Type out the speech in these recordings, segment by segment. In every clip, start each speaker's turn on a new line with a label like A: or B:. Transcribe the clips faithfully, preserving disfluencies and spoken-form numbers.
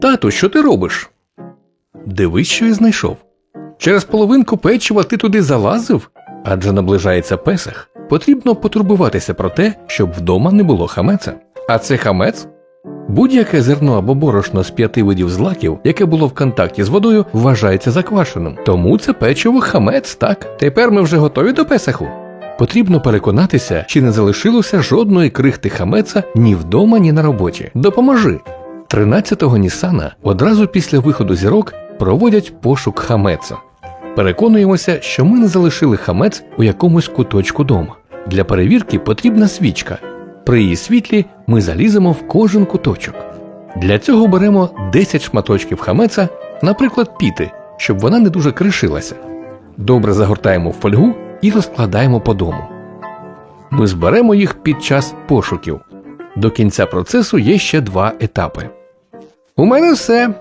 A: Тату, що ти робиш? Дивись, що я знайшов. Через половинку печива ти туди залазив? Адже наближається Песах. Потрібно потурбуватися про те, щоб вдома не було хамеця. А це хамець? Будь-яке зерно або борошно з п'яти видів злаків, яке було в контакті з водою, вважається заквашеним. Тому це печиво хамець, так? Тепер ми вже готові до Песаху? Потрібно переконатися, чи не залишилося жодної крихти хамеца ні вдома, ні на роботі. Допоможи! тринадцятого Нісана одразу після виходу зірок проводять пошук хамеца. Переконуємося, що ми не залишили хамець у якомусь куточку дома. Для перевірки потрібна свічка. При її світлі ми заліземо в кожен куточок. Для цього беремо десять шматочків хамеца, наприклад, піти, щоб вона не дуже кришилася. Добре загортаємо в фольгу і розкладаємо по дому. Ми зберемо їх під час пошуків. До кінця процесу є ще два етапи. У мене все.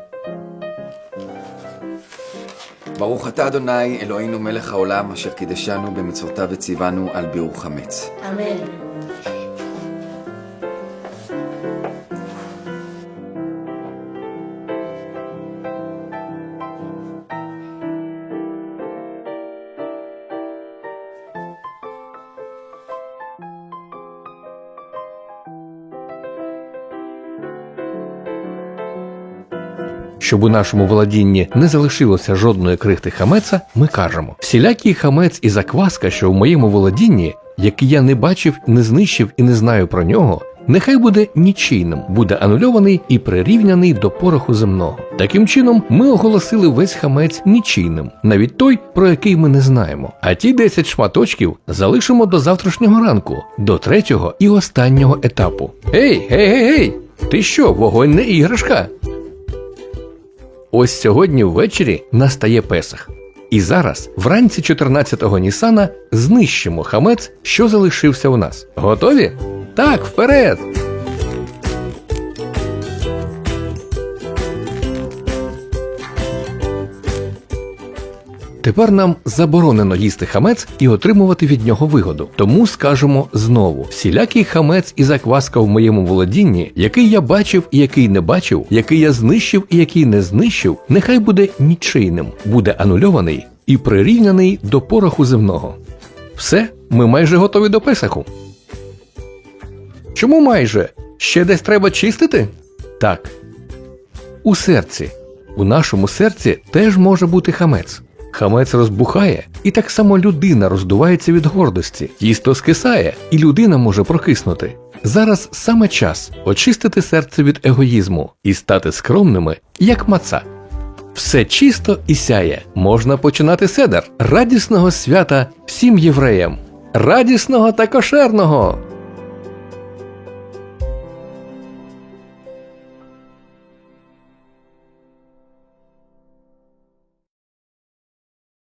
B: ברוך אתה אדוני אלוהינו מלך העולם אשר קידשנו במצוותיו וציוונו על ביעור חמץ.
C: אמן.
A: Щоб у нашому володінні не залишилося жодної крихти хамеца, ми кажемо: всілякий хамець і закваска, що в моєму володінні, який я не бачив, не знищив і не знаю про нього, нехай буде нічийним, буде анульований і прирівняний до пороху земного. Таким чином, ми оголосили весь хамець нічийним, навіть той, про який ми не знаємо. А ті десять шматочків залишимо до завтрашнього ранку, до третього і останнього етапу. Ей, гей, гей, гей! Ти що, вогонь не іграшка? Ось сьогодні ввечері настає Песах. І зараз, вранці чотирнадцятого Нісана, знищимо хамець, що залишився у нас. Готові? Так, вперед! Тепер нам заборонено їсти хамець і отримувати від нього вигоду. Тому скажемо знову: всілякий хамець і закваска в моєму володінні, який я бачив і який не бачив, який я знищив і який не знищив, нехай буде нічийним, буде анульований і прирівняний до пороху земного. Все, ми майже готові до Песаху. Чому майже? Ще десь треба чистити? Так. У серці. У нашому серці теж може бути хамець. Хамець розбухає, і так само людина роздувається від гордості. Тісто скисає, і людина може прокиснути. Зараз саме час очистити серце від егоїзму і стати скромними, як маца. Все чисто і сяє. Можна починати седер. Радісного свята всім євреям! Радісного та кошерного!